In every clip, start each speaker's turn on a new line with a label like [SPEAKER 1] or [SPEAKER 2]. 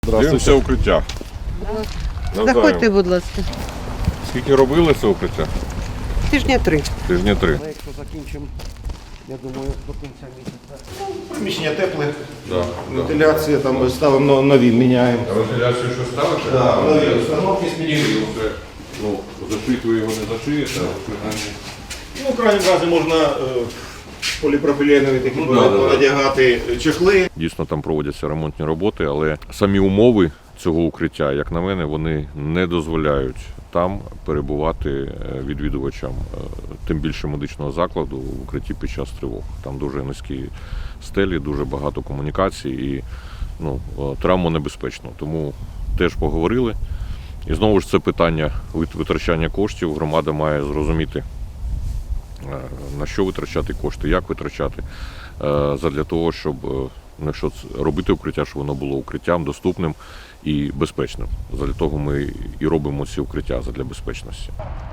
[SPEAKER 1] Дивимося укриття.
[SPEAKER 2] Заходьте, будь ласка.
[SPEAKER 1] Скільки робили це укриття?
[SPEAKER 2] Тижня 3.
[SPEAKER 1] Тижня 3.
[SPEAKER 3] Якщо закінчимо, я думаю, до кінця місяця. Приміщення тепле,
[SPEAKER 1] Да,
[SPEAKER 3] вентиляція, там ставимо нові, міняємо.
[SPEAKER 1] А вентиляцію що ставите?
[SPEAKER 3] Так, нові установки змінюємо.
[SPEAKER 1] Ну, зашити ви його не зашиєте, а принаймні.
[SPEAKER 3] Ну, в крайньому разі можна поліпропиленові такі
[SPEAKER 1] да.
[SPEAKER 3] надягати чехли.
[SPEAKER 1] Дійсно, там проводяться ремонтні роботи, але самі умови цього укриття, як на мене, вони не дозволяють там перебувати відвідувачам, тим більше медичного закладу, в укритті під час тривог. Там дуже низькі стелі, дуже багато комунікацій і травмонебезпечно. Тому теж поговорили. І знову ж це питання витрачання коштів. Громада має зрозуміти, на що витрачати кошти, як витрачати, задля того, щоб якщо робити укриття, щоб воно було укриттям доступним і безпечним. Задля того ми і робимо ці укриття задля безпечності.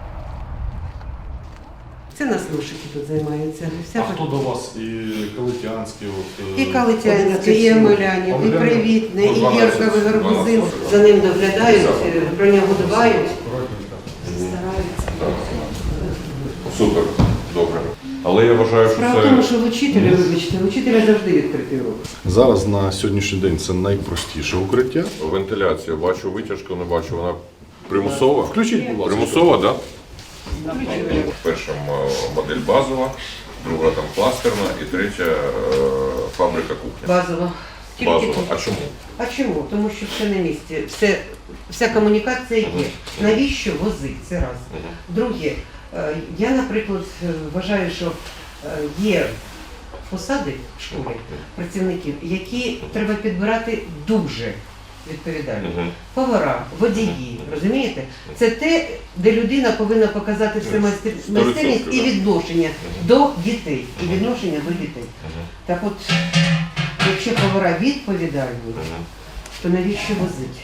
[SPEAKER 2] Це нас лошики тут займаються.
[SPEAKER 4] А хто до вас? І Калитянський?
[SPEAKER 2] І Калитянський, і Омелянів, і Привітне, і Єрковий Гарбузин. За ним доглядають, про нього дбають. Стараються.
[SPEAKER 1] Супер, добре. Але я вважаю, що
[SPEAKER 2] Справа в тому, що в учителя, вибачте, в учителя завжди відкритий рух.
[SPEAKER 4] Зараз на сьогоднішній день це найпростіше укриття.
[SPEAKER 1] вентиляція, бачу витяжку, не бачу, вона примусова?
[SPEAKER 4] Включіть, будь ласка.
[SPEAKER 1] Примусова, так? Перша модель базова, друга там кластерна і третя фабрика кухня.
[SPEAKER 2] Базово. Тільки
[SPEAKER 1] Базова.
[SPEAKER 2] тут.
[SPEAKER 1] А чому?
[SPEAKER 2] А чому? Тому що все на місці. Вся комунікація є. Навіщо возити? Це раз. Друге, я, наприклад, вважаю, що є посади в школі працівників, які треба підбирати дуже відповідально. Повара, водії, розумієте? Це те, де людина повинна показати все майстерність і відношення до дітей. І відношення до дітей. Так от, якщо повара відповідальні, то навіщо возити?